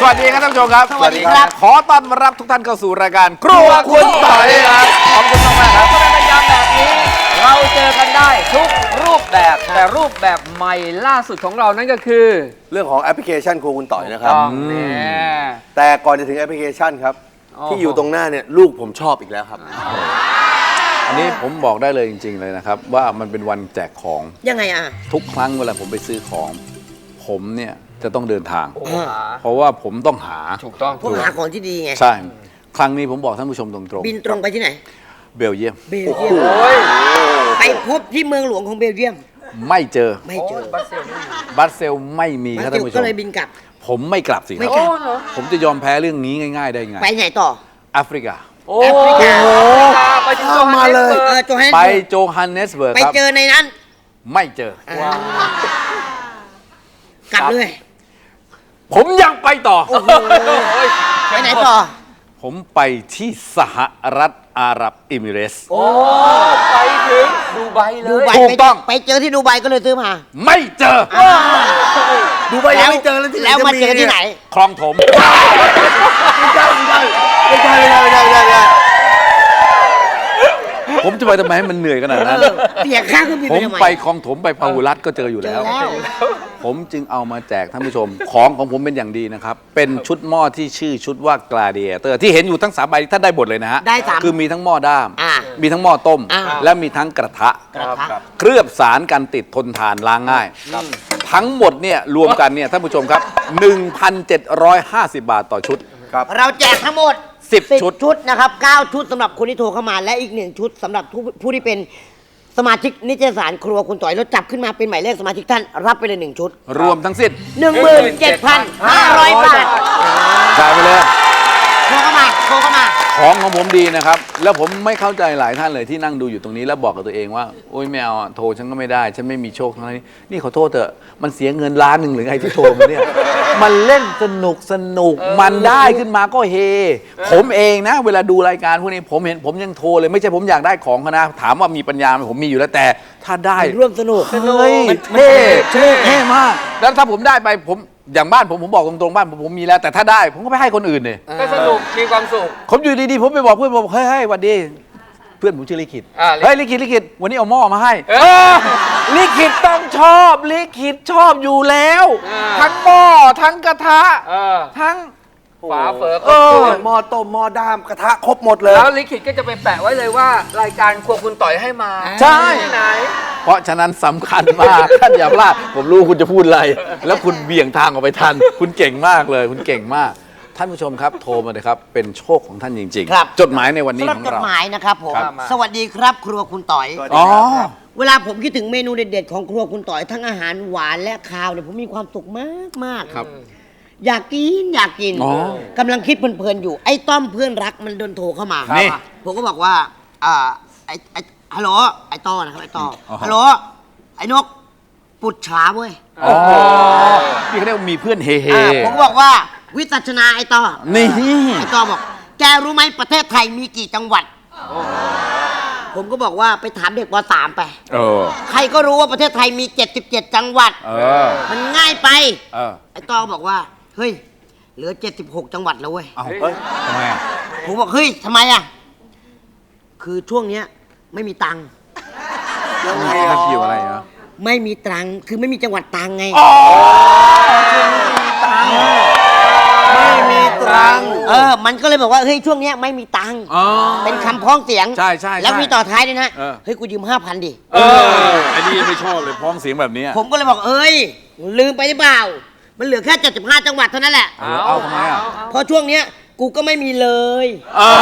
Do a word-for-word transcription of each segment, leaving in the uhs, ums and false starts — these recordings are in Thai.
วัสดีครับท่านผู้ชมครับสวัสดีครับขอต้อนรับทุกท่านเข้าสู่รายการครัวคุณต่อยครับขอบคุณมากๆครับเป็นประจำแบบนี้เราเจอกันได้ทุกรูปแบบแต่รูปแบบใหม่ล่าสุดของเรานั่นก็คือเรื่องของแอปพลิเคชันครัวคุณต่อยนะครับต้องแน่แต่ก่อนจะถึงแอปพลิเคชันครับโอ้โหที่อยู่ตรงหน้าเนี่ยลูกผมชอบอีกแล้วครับอันนี้ผมบอกได้เลยจริง ๆ เลยนะครับ ว่ามันเป็นวันแจกของยังไงอ่ะทุกครั้งเวลาผมไปซื้อของ ผมเนี่ยจะต้องเดินทางโอ้โหเพราะว่าผมต้องหาถูกต้องพวกหาของที่ดีไงใช่ ครั้งนี้ผมบอกท่านผู้ชมตรงบินตรงไปที่ไหนๆเบลเยียมเบลเยียมโอ้ยไปพบที่เมืองหลวงของเบลเยียมไม่เจอไม่เจอบัสเซลไม่อยู่บัสเซลไม่มีครับมาท่าเจนอผู้ชก็มเลยบินกลับผมไม่กลับสิคไม่รับกลับโอ้เหรอผมจะยอมแพ้เรื่องนี้ง่าย ๆ ได้ไงไปไหนต่อแอฟริกาโอ้แอฟริกาไปถึงเข้ามาเลยเออโจฮันไปโจฮันเนสเบิร์กไปครับเจอในนั้นไม่เจออ่กลับเลยผมยังไปต่อโอ้โหไปไหนต่อผมไปที่สหรัฐอาหรับเอมิเรตส์โอ้ไปถึงดูไบเลดูยไบถูกต้องไปเจอที่ดูไบก็เลยซื้อมาไม่เจอดูไปยังไม่เจอแล้วที่ไหนแล้วจะมามีเจอที่ไหนคลองถมไม่ใช่ไม่ใช่ไม่ใช่ไม่ใช่ไม่ใช่ไม่ใช่ไม่ใช่ผมจะไปทำไมให้มันเหนื่อยขนาดนั้นเสียค่าเครื่องบินผไปมทำไมไปคลองถมไปพาหุรัตน์ก็เจออยู่เจแล้อวแล้วผมจึงเอามาแจกท่านผู้ชม ของของผมเป็นอย่างดีนะครับ เป็นชุดหม้อที่ชื่อชุดว่า Gladiator ที่เห็นอยู่ทั้งสามใบท่านได้หมดเลยนะฮะได้สามคือมีทั้งหม้อด้ามอ่ามีทั้งหม้อต้มอ่าและมีทั้งกระทะกระทะเคลือบสารกันติดทนทานล้างง่าย ทั้งหมดเนี่ยรวมกันเนี่ยท่านผู้ชมครับ หนึ่งพันเจ็ดร้อยห้าสิบ บาทต่อชุดเราแจกทั้งหมดสิบชุดชุดนะครับเก้าชุดสำหรับคนที่โทรเข้ามา และอีกหนึ่งชุดสำหรับผู้ผู้ที่เป็นสมาชิกนิตยสารครัวคุณต่อยแล้วจับขึ้นมาเป็นหมายเลขสมาชิกท่านรับไปเลยหนึ่งชุดรวมทั้งสิ้นหนึ่งหมื่นเจ็ดพันห้าร้อยบาทจ่ายไปเลยโทรเข้ามาโทรเข้ามาของของผมดีนะครับ แล้วผมไม่เข้าใจหลายท่านเลยที่นั่งดูอยู่ตรงนี้แล้วบอกกับตัวเองว่าโอ๊ยไม่เอาอะโทรฉันก็ไม่ได้ ฉันไม่มีโชคทั้งนี้นี่ขอโทษเถอะมันเสียเงินล้านหนึ่งหรือไงที่โทรมาเนี่ย มันเล่นสนุกสนุกมันได้ขึ้นมาก็เฮ ผมเองนะ เวลาดูรายการพวกนี้ผมเห็นผมยังโทรเลยไม่ใช่ผมอยากได้ของเขานะถามว่ามีปัญญาไหมผมมีอยู่แล้วแต่ถ้าได้ร่วมสนุกเฮ้ยเท่เท่เท่มากแล้วถ้าผมได้ไปผมอย่างบ้านผมผมบอกตรงๆบ้านผมผมมีแล้วแต่ถ้าได้ผมก็ไปให้คนอื่นเนี่ยก็สนุกมีความสุขผมอยู่ดีๆผมไปบอกเพื่อนบอกเฮ้ยเฮ้ยหวันดีเพื่อนผมชื่อลิขิตอ่าลิขิตเฮ้ยลิขิตลิขิตวันนี้เอาหม้อมาให้เออเออลิขิตต้องชอบลิขิตชอบอยู่แล้วอ่าทั้งหม้อทั้งกระทะเออทั้งฝาเฝอคเอรบอถ้วนหม้อต้มหม้อด้ามกระทะครบหมดเลยแล้วลิขิตก็จะไปแปะไว้เลยว่ารายการครัวคุณต่อยให้มาใช่ที่ไหนเพราะฉะนั้นสำคัญมาก ท่านอย่าพลาดผมรู้คุณจะพูดอะไร แล้วคุณเบี่ยงทางออกไปทัน คุณเก่งมากเลย คุณเก่งมาก ท่านผู้ชมครับ โทรมาเลยครับ เป็นโชคของท่านจริงครับๆ จดหมายในวันนี้สำหรับของจดเราหมายนะครับผมครับสวัสดีครับครัวคุณต่อยอ๋อเวลาผมคิดถึงเมนูเด็ดๆของครัวคุณต่อยทั้งอาหารหวานและคาวเนี่ยผมมีความสุขมากมากๆครับอยากกินอยากกินอ๋อกำลังคิดเพลินๆอยู่ไอ้ต้อมเพื่อนรักมันโดนโทรเข้ามานี่ผมก็บอกว่าอ่าไอ้ไอ้ฮัลโหลไอ้ต้อนะครับไอ้ต้อออฮัลโหลไอ้นกปุดฉาเว้ยอ๋อนี่เขาเรียกว่ามีเพื่อนเฮเฮอ่าผมก็บอกว่าวิจัชนาไอ้ต้อนี่ไอ้ต้อบอก แกรู้ไหมประเทศไทยมีกี่จังหวัด ผมก็บอกว่าไปถามเด็กป .สาม ไปเออใครก็รู้ว่าประเทศไทยมีเจ็ดสิบเจ็ดจังหวัดเออมันง่ายไปเออไอ้ต้อบอกว่า เฮ้ย เหลือเจ็ดสิบหกจังหวัดแล้วเว้ยเอาเฮ้ยทำไมอ่ะผมบอกเฮ้ยทำไมอ่ะ คือช่วงเนี้ยไม่มีตังค์มันเกี่ยวอะไรอ่ะไม่มีตังค์คือไม่มีจังหวัดตังค์ไงไม่มีตรังเออ มันก็เลยบอกว่าเฮ้ยช่วงเนี้ยไม่มีตังค์อ๋อเป็นคำพ้องเสียงใช่ใช่ใช่แล้วมีต่อท้ายด้วยนะเออเฮ้ยกูยืมห้าพันดิเอออันนี้ไม่ชอบเลยพ้องเสียงแบบนี้อะผมก็เลยบอกเอ้ยลืมไปหรือเปล่า มันเหลือแค่เจ็ดสิบห้าจังหวัดเท่านั้นแหละเอาเอาทำไมอ่ะเพราะช่วงเนี้ยกูก็ไม่มีเลยเออ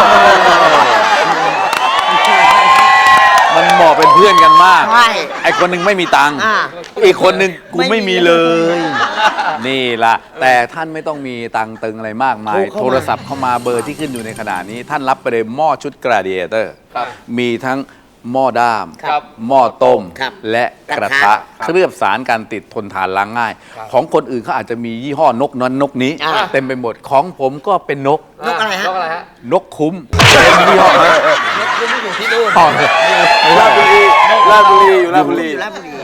มันเหมาะเป็นเพื่อนกันมากใช่ไอคนหนึ่งไม่มีตังค์อ่าอีกคนหนึ่งกูไม่มีไม่มีเลย นี่ล่ะ แต่ท่านไม่ต้องมีตังค์ตึงอะไรมากมายโทรเข้ามาโทรศัพท์เข้ามาเบอร์ที่ขึ้นอยู่ในขณะนี้ ท่านรับไปเลยหม้อชุด Gladiator มีทั้งหม้อด้ามครับหม้อต้มครับและกระทะเคลือบสารการติดทนทานล้างง่าย ของคนอื่นเขาอาจจะมียี่ห้อนกนั้นนกนี้อ่าเต็มไปหมดของผมก็เป็นนกนกอะไรฮะนกอะไรฮะนกคุ้มเป็นยี่ห้อฮะนกคุณไม่อยู่ที่นู่นอ๋อราชบุรีราชบุรีอยู่ราชบุรีอยู่ราชบุรี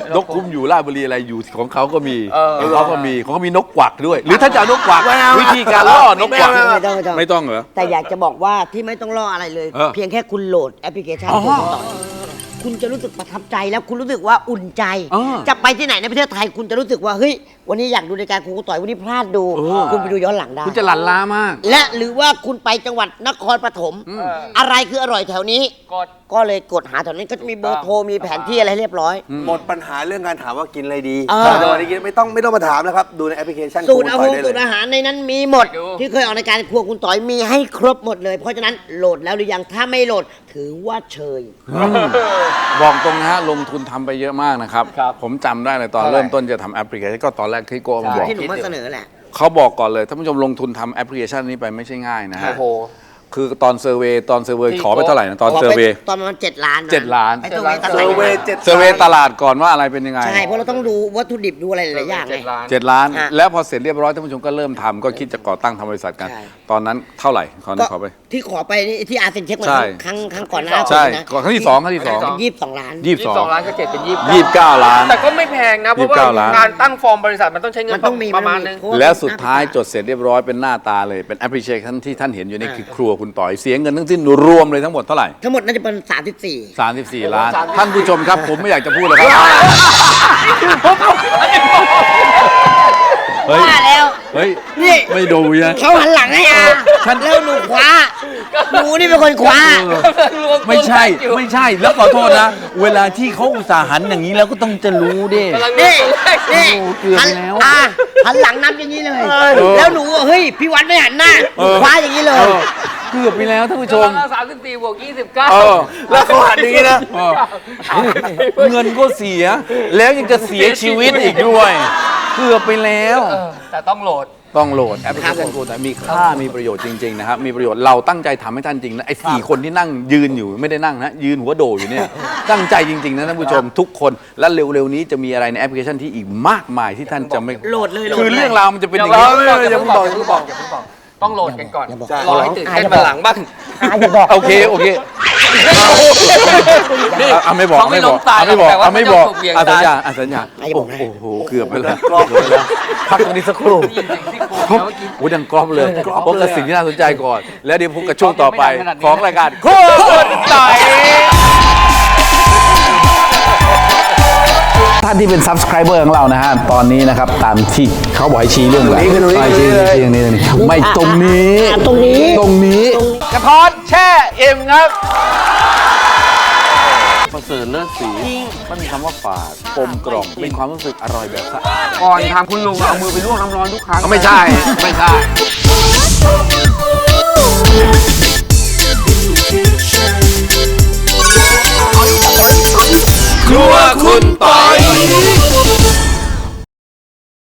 นกคุ้มอยู่ราชบุรีอะไรอยู่ของเขาก็มีเออของเขาก็มีของเขามีนกกวักด้วย หรือถ้าจะเอานกกวักวิธีการล่อนกกวักไม่ต้องไม่ต้องไม่ต้องเหรอแต่อยากจะบอกว่าที่ไม่ต้องรออะไรเลยเออเพียงแค่คุณโหลดแอปพลิเคชันอ๋อคุณต่อยคุณจะรู้สึกประทับใจแล้วคุณรู้สึกว่าอุ่นใจเออจะไปที่ไหนในประเทศไทยคุณจะรู้สึกว่าเฮ้ยวันนี้อยากดูรายการครูต่อยวันนี้พลาดดูเออคุณไปดูย้อนหลังได้คุณจะหลั่นล้ามากและหรือว่าคุณไปจังหวัดนครปฐมอะไรคืออร่อยแถวนี้กดก็เลยกดหาแถวนี้ก็จะมีเบอร์โทรมีแผนที่อะไรเรียบร้อยหมดปัญหาเรื่องการถามว่ากินอะไรดีเออแต่วันนี้ไม่ต้องไม่ต้องมาถามนะครับ ดูในแอปพลิเคชันสูตรคอาต่หยงได้สูตรเลยอาหารในนั้นมีหมดดูที่เคยออกรายการครัวคุณต่อยมีให้ครบหมดเลย เพราะฉะนั้นโหลดแล้วหรือยังถ้าไม่โหลดถือว่าเชยบอกตรงนะฮะลงทุนทำไปเยอะมากนะครับครับผมจำได้เลยตอนเท่าไหร่เริ่มต้นจะทำแอปพลิเคชันก็ตอนแรกที่โก้มาบอกที่หนูมาเสนอแหละเขาบอกก่อนเลยท่านผู้ชมลงทุนทำแอปพลิเคชันนี้ไปไม่ใช่ง่ายนะฮะโอ้โหคือตอนเซอร์เวย์ตอนเซอร์เวย์ที่ขอไปเท่าไหร่นะตอนขอเซอไปร์เวย์ตอนประมาณเจ็ดล้านนะเจ็ดล้านไปเซอร์เวย์ตลาดเซอร์เวย์เจ็ดเซอร์เวย์ตลาดก่อนว่าอะไรเป็นยังไงใช่เพราะเราต้องดูวัตถุดิบดูอะไรหลายๆอย่างไงเจ็ดล้านเจ็ดล้านฮะแล้วพอเสร็จเรียบร้อยท่านผู้ชมก็เริ่มทำก็คิดจะก่อตั้งทำบริษัทกันใช่ตอนนั้นเท่าไหร่ขอก็ขอไปที่ขอไปนี่ที่อาเซนเช็คมาใช่ครั้งครั้งก่อนหน้าใช่นะก่อนครั้งที่สองครั้งที่สองยี่สิบสองล้านยี่สิบยี่สสิอบ งสองล้านก็เจ็ดเป็นยี่สิบยี่สิบเก้าล้านแต่ก็ไม่แพงนะ เพราะว่ายี่สิบเก้าล้านการตั้งฟอร์มบริษัทมันต้องใช้เงินมันต้องมีประมาณนึงเพราะว่าแล้วสุดท้ายจดเสร็จเรียบร้อยเป็นหน้าตาเลยเป็นแอปพลิเคชันที่ท่านเห็นอยู่ในคือครัวคุณต่อยเสียเงินทั้งสิ้นรวมเลยทั้งหมดเท่าไหร่ทั้งหมดน่าจะเป็นสามสิบสี่สามสิบสี่ล้าน ท่านผู้ชมครับ ผมไม่อยากจะพูดเลยครับเฮ้ยว่าแล้วเฮ้ยนี่ไม่ดูนะเขาหันหลังให้อาแล้วหนูคว้าหนูนี่เป็นคนคว้าไม่ใช่ไม่ใช่แล้วขอโทษนะ เวลาที่เขาอุตส่าห์หันอย่างนี้แล้วก็ต้องจะรู้ดิกำลังนี่นี่โอ้เกือบหันแล้วอ่าหันหลังนับอย่างนี้เลยอแล้วหนูอ่ะเฮ้ยพี่วัดไม่หันหน้าเออคว้าอย่างนี้เลเอย อเกือบไปแล้วท่านผู้ชมสามสิบสี่บวกยี่สิบเก้าเออแล้วเขาหันอย่างนี้นะเออเงินก็เสีย แล้วยังจะเสียชีวิตอีกด้วย เกือบไปแล้วเออแต่ต้องโหลดต้องโหลดแอปพลิเคชันกูแต่มีค่ามีประโยชน์จริงๆนะครับมีประโยชน์เราตั้งใจทำให้ท่านจริงนะไอ้สี่คนที่นั่งยืนอยู่ไม่ได้นั่งนะยืนหัวโดอยู่เนี่ยตั้งใจจริงๆนะท่านผู้ชมทุกคนและเร็วๆนี้จะมีอะไรในแอปพลิเคชันที่อีกมากมายที่ท่านจะไม่โหลดเลยโหลดคือลยเรื่องราวมันจะเป็นอย่างนี้นี้อย่าเพิ่งบอกอย่าเพิ่งบอกอย่าเพิ่งบอกต้องโหลดกันก่อนอย่าบอกรอให้ตื่นเต้นมาหลังบ้างอาอย่าบอกโอเคโอเคเอาเอาไม่บอกเขาไม่ไม่บอกล้มตายเอาไม่บอกแต่ว่าเอาไม่บอกเขาจะถูกเหวี่ยงอ่ะสัญตายญาอ่ะสัญญาอ่ะอย่าบอกนะโอ้โหเกือบไปแล้วเกือบไปแล้วพักตรงนี้สักครู่ได้ยินเสียงที่โครงแล้วเมื่อกี้โอ้ยดังกรอบเลยพบกับสิ่งที่น่าสนใจก่อน แล้วเดี๋ยวพบกับช่วงต่อไปยังไม่ดังขนาดนี้ของรายการครัวคุณต่อยท่านที่เป็น subscriber ของเรานะฮะ ตอนนี้นะครับ ตามที่เขาบอกให้ชี้เรื่องอะไรตรงนี้ให้ชี้ตรงนี้ชี้ตรงนี้ตรงนี้ไม่ตรงนี้อ่ะตรงนี้ตรงนี้กระท้อนแช่เอ็มครับประเสริฐเลิศสีมันมีคำว่าฝาดกลมกล่อมเป็นความรู้สึกอร่อยแบบสะอาดก่อนทำคุณลุงเอามือไปลวกน้ำร้อนทุกครั้งไม่ใช่ ไม่ใช่ Ooh, ooh, ooh, ooh.